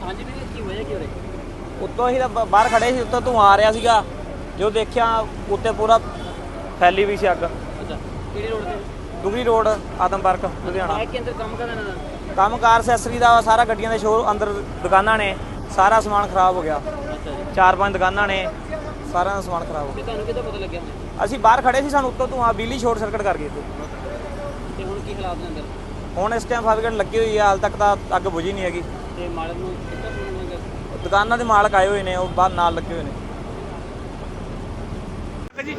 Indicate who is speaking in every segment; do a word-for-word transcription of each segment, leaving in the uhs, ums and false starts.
Speaker 1: ਹਾਂਜੀ ਵੀਰੇ ਕੀ ਹੋਇਆ ਕੀ ਹੋ ਰਿਹਾ?
Speaker 2: ਉੱਤੋਂ ਅਸੀਂ ਤਾਂ ਬਾਹਰ ਖੜੇ ਸੀ, ਉੱਤੋਂ ਧੂੰਆਂ ਆ ਰਿਹਾ ਸੀਗਾ। ਜੋ ਦੇਖਿਆ ਉੱਤੇ ਪੂਰਾ ਫੈਲੀ ਵੀ ਸੀ ਅੱਗ।
Speaker 1: ਅੱਛਾ, ਕਿਹੜੀ ਰੋਡ ਤੇ?
Speaker 2: ਦੁਗਰੀ ਰੋਡ, ਆਦਮਪਰਕ, ਲੁਧਿਆਣਾ।
Speaker 1: ਬਾਈਕ ਕੇ ਅੰਦਰ ਕੰਮ ਕਰਦਾ ਇਹਨਾਂ ਦਾ?
Speaker 2: ਕੰਮਕਾਰ ਅਸੈਸਰੀ ਦਾ ਸਾਰਾ, ਗੱਡੀਆਂ ਦੇ ਸ਼ੋਰ ਅੰਦਰ ਦੁਕਾਨਾਂ ਨੇ, ਸਾਰਾ ਸਮਾਨ ਖਰਾਬ ਹੋ ਗਿਆ।
Speaker 1: ਅੱਛਾ ਜੀ।
Speaker 2: ਚਾਰ ਪੰਜ ਦੁਕਾਨਾਂ ਨੇ, ਸਾਰਾ ਦਾ ਸਮਾਨ ਖਰਾਬ ਹੋ
Speaker 1: ਤੇ
Speaker 2: ਗਿਆ।
Speaker 1: ਤੁਹਾਨੂੰ ਕਿੱਦਾਂ ਪਤਾ ਲੱਗਿਆ?
Speaker 2: ਅਸੀਂ ਬਾਹਰ ਖੜੇ ਸੀ, ਸਾਨੂੰ ਉੱਤੋਂ ਧੂੰਆਂ ਬਿਜਲੀ ਸ਼ੋਰਟ ਸਰਕਟ ਕਰ ਗਈ।
Speaker 1: ਤੇ ਹੁਣ ਕੀ ਹਾਲਾਤ ਨੇ ਅੰਦਰ?
Speaker 2: ਹੁਣ ਇਸ ਟਾਈਮ ਫਾਇਰ ਲੱਗੀ ਹੋਈ ਹੈ, ਹਾਲ ਤੱਕ ਤਾਂ ਅੱਗ ਬੁਝੀ ਨਹੀਂ ਹੈਗੀ।
Speaker 1: ਤੇ ਮਾਲਕ ਨੂੰ ਕਿੱਦਾਂ ਫੋਨ ਹੋਏਗਾ?
Speaker 2: ਦੁਕਾਨਾਂ ਦੇ ਮਾਲਕ ਆਏ ਹੋਏ ਨੇ, ਉਹ ਬਾਹਰ ਨਾਲ ਲੱਗੇ ਹੋਏ ਨੇ।
Speaker 3: ਜੀ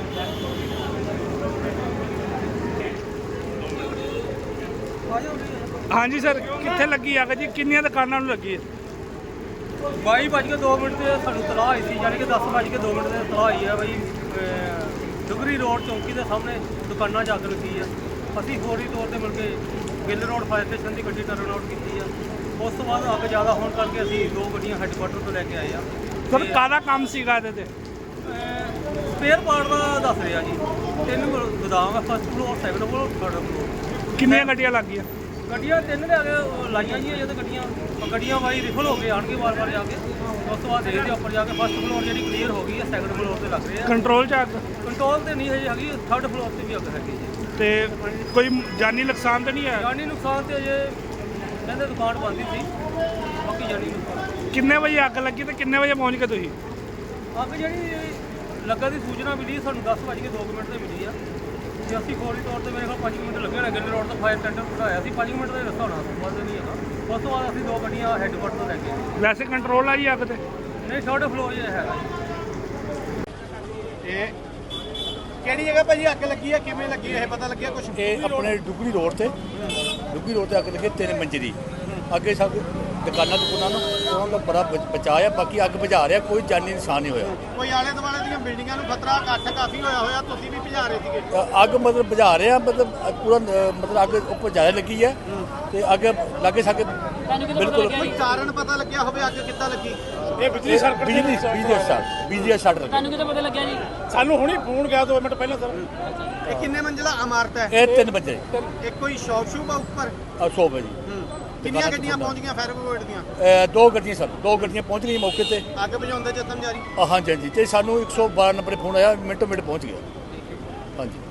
Speaker 3: ਹਾਂਜੀ ਸਰ, ਕਿੱਥੇ ਲੱਗੀ ਅੱਗ ਜੀ? ਕਿੰਨੀਆਂ ਦੁਕਾਨਾਂ ਨੂੰ ਲੱਗੀ ਹੈ?
Speaker 4: ਬਾਈ ਵੱਜ ਕੇ ਦੋ ਮਿੰਟ ਤੇ ਸਾਨੂੰ ਤਲਾਹ ਆਈ ਸੀ, ਯਾਨੀ ਕਿ ਦਸ ਵੱਜ ਕੇ ਦੋ ਮਿੰਟ ਤੇ ਤਲਾਹ ਆਈ ਹੈ ਬਈ ਡੁਗਰੀ ਰੋਡ ਚੌਂਕੀ ਦੇ ਸਾਹਮਣੇ ਦੁਕਾਨਾਂ 'ਚ ਅੱਗ ਲੱਗੀ ਆ। ਅਸੀਂ ਫੌਰੀ ਤੌਰ ਤੇ ਮਿਲ ਕੇ ਗਿੱਲ ਰੋਡ ਫਾਇਰ ਸਟੇਸ਼ਨ ਦੀ ਗੱਡੀ ਟਰਨ ਆਊਟ ਕੀਤੀ ਆ। ਉਸ ਤੋਂ ਬਾਅਦ ਅੱਗ ਜ਼ਿਆਦਾ ਹੋਣ ਕਰਕੇ ਅਸੀਂ ਦੋ ਗੱਡੀਆਂ ਹੈੱਡਕੁਆਟਰ ਤੋਂ ਲੈ ਕੇ ਆਏ ਆ।
Speaker 3: ਸਰ ਕਾਹਦਾ ਕੰਮ ਸੀਗਾ ਇਹਦੇ ਤੇ?
Speaker 4: ਸਪੇਅਰ ਪਾਰਟ ਦਾ ਦੱਸ ਰਿਹਾ ਜੀ। ਤਿੰਨ ਗੋਦਾਮ ਹੈ, first floor, second floor, third floor.
Speaker 3: ਕਿੰਨੀਆਂ ਗੱਡੀਆਂ ਲੱਗੀਆਂ?
Speaker 4: ਗੱਡੀਆਂ ਤਿੰਨ ਲਿਆ ਕੇ ਲਾਈਆਂ ਜੀ ਜਦੋਂ ਗੱਡੀਆਂ ਗੱਡੀਆਂ ਵਾਈ ਰਿਫਲ ਹੋ ਗਏ ਆਣਗੇ ਵਾਰ-ਵਾਰ ਜਾ ਕੇ। ਉਸ ਤੋਂ ਬਾਅਦ ਦੇਖਦੇ ਉੱਪਰ ਜਾ ਕੇ ਫਸਟ ਫਲੋਰ ਜਿਹੜੀ ਕਲੀਅਰ ਹੋ ਗਈ ਹੈ, ਸੈਕੰਡ ਫਲੋਰ ਤੇ ਲੱਗ ਰਹੇ ਆ।
Speaker 3: ਕੰਟਰੋਲ 'ਚ ਅੱਗ?
Speaker 4: ਕੰਟਰੋਲ ਤੇ ਨਹੀਂ ਹਜੇ ਹੈਗੀ, ਥਰਡ ਫਲੋਰ ਤੇ ਵੀ ਅੱਗ ਹੈਗੀ ਜੀ।
Speaker 3: ਤੇ ਕੋਈ ਜਾਨੀ ਨੁਕਸਾਨ ਤਾਂ ਨਹੀਂ ਆਇਆ?
Speaker 4: ਜਾਨੀ ਨੁਕਸਾਨ ਤੇ ਅਜੇ ਕਹਿੰਦੇ ਦੁਕਾਨ ਬੰਦ ਹੀ ਸੀ, ਬਾਕੀ ਜਾਨੀ ਨੁਕਸਾਨ।
Speaker 3: ਕਿੰਨੇ ਵਜੇ ਅੱਗ ਲੱਗੀ ਤੇ ਕਿੰਨੇ ਵਜੇ ਪਹੁੰਚ ਗਏ ਤੁਸੀਂ?
Speaker 4: ਅੱਗ ਜਿਹੜੀ ਲੱਗਾ ਦੀ ਸੂਚਨਾ ਮਿਲੀ ਸਾਨੂੰ ਦਸ ਵੱਜ ਕੇ ਦੋ ਮਿੰਟ ਤੇ ਮਿਲੀ ਆ ਤੇ ਅਸੀਂ ਫੌਰੀ ਤੌਰ ਤੇ ਮੇਰੇ ਕੋਲ ਪੰਜ ਮਿੰਟ ਲੱਗੇ ਹੋਣੇ। ਗਿੱਲ ਰੋਡ ਤੋਂ ਫਾਇਰ ਟੈਂਡਰ ਬਿਠਾਇਆ ਸੀ, ਪੰਜ ਮਿੰਟ ਦਾ ਹੀ ਰਸਤਾ ਹੋਣਾ, ਵੱਧ ਨਹੀਂ ਹੈਗਾ। ਉਸ ਤੋਂ ਬਾਅਦ ਅਸੀਂ ਦੋ ਗੱਡੀਆਂ ਹੈੱਡਕੁਆਟਰ ਤੋਂ ਲੈ ਕੇ ਆਏ।
Speaker 3: ਵੈਸੇ ਕੰਟਰੋਲ ਆ ਜੀ ਅੱਗ ਤੇ?
Speaker 4: ਨਹੀਂ, ਥਰਡ ਫਲੋਰ ਹੀ ਹੈਗਾ ਜੀ।
Speaker 5: ਇਹ ਕਿਹੜੀ ਜਗ੍ਹਾ ਭਾਜੀ ਅੱਗ ਲੱਗੀ ਹੈ, ਕਿਵੇਂ ਲੱਗੀ ਇਹ ਪਤਾ ਲੱਗਿਆ ਕੁਝ?
Speaker 6: ਇਹ ਆਪਣੇ ਡੁਗਰੀ ਰੋਡ ਤੇ ਡੁਗਰੀ ਰੋਡ ਤੇ ਅੱਗ ਲੱਗੀ ਤਿੰਨ ਮੰਜ਼ਲੀ। ਅੱਗੇ ਸਭ ਦੁਕਾਨਾਂ ਦੁਕਾਨਾਂ ਨੂੰ ਉਹਨਾਂ ਦਾ ਬੜਾ ਬ- ਬਚਾਅ ਆ। ਬਾਕੀ ਅੱਗ ਬੁਝਾ ਰਿਹਾ, ਕੋਈ ਜਾਨੀ ਨੁਕਸਾਨ ਨਹੀਂ ਹੋਇਆ।
Speaker 5: ਕੋਈ ਆਲੇ ਦੁਆਲੇ ਦੀਆਂ ਬਿਲਡਿੰਗਾਂ ਨੂੰ ਖਤਰਾ ਇਕੱਠ ਕਾਫੀ ਹੋਇਆ ਹੋਇਆ, ਤੁਸੀਂ ਵੀ ਭਜਾ ਰਹੇ ਸੀਗੇ?
Speaker 6: ਅ- ਅੱਗ ਮਤਲਬ ਬੁਝਾ ਰਿਹਾ, ਮਤਲਬ ਪੂਰਾ ਅ, ਮਤਲਬ ਅੱਗ ਉੱਪਰ ਜ਼ਿਆਦਾ ਲੱਗੀ ਹੈ ਤੇ ਅੱਗ ਲਾਗੇ ਸਾਗੇ ਬਿਲਕੁਲ
Speaker 5: ਕੋਈ ਕਾਰਨ ਪਤਾ ਲੱਗਿਆ ਹੋਵੇ ਅੱਗ ਕਿੱਦਾਂ ਲੱਗੀ?
Speaker 6: ਇਹ ਬਿਜਲੀ ਸਰਕਟ ਬਿਜਲੀ ਬਿਜਲੀ ਦਾ ਸ਼ਾਰਟ ਬਿਜਲੀ ਦਾ ਸ਼ਾਰਟ ਲੱਗਾ।
Speaker 1: ਤੁਹਾਨੂੰ ਕਿੱਦਾਂ ਪਤਾ ਲੱਗਿਆ ਜੀ?
Speaker 5: ਸਾਨੂੰ ਹੁਣੀ ਫੋਨ ਗਿਆ ਦੋ ਮਿੰਟ ਪਹਿਲਾਂ ਸਰ। ਇਹ ਕਿੰਨੇ ਮੰਜ਼ਿਲਾ ਇਮਾਰਤ ਹੈ?
Speaker 6: ਇਹ ਤਿੰਨ ਵਜੇ
Speaker 5: ਇੱਕ ਕੋਈ ਸ਼ੌਪ ਸ਼ੂਪ ਆ ਉੱਪਰ?
Speaker 6: ਆ ਸੌ ਵਜੇ
Speaker 5: ਕਿੰਨੀਆਂ ਗੱਡੀਆਂ ਪਹੁੰਚ ਗਈਆਂ ਫਾਇਰ ਬ੍ਰਿਗੇਡ ਦੀਆਂ?
Speaker 6: ਅ, ਦੋ ਗੱਡੀਆਂ ਸਰ ਦੋ ਗੱਡੀਆਂ ਪਹੁੰਚ ਗਈਆਂ ਮੌਕੇ ਤੇ।
Speaker 5: ਅੱਗ ਬੁਝਾਉਣ ਦਾ ਯਤਨ ਜਾਰੀ?
Speaker 6: ਅ, ਹਾਂਜੀ ਹਾਂਜੀ, ਤੇ ਸਾਨੂੰ ਇੱਕ ਸੌ ਬਾਰਾਂ ਨੰਬਰ ਫੋਨ ਆਇਆ, ਮਿੰਟੋ ਮਿੰਟ ਪਹੁੰਚ ਗਿਆ। ਹਾਂਜੀ।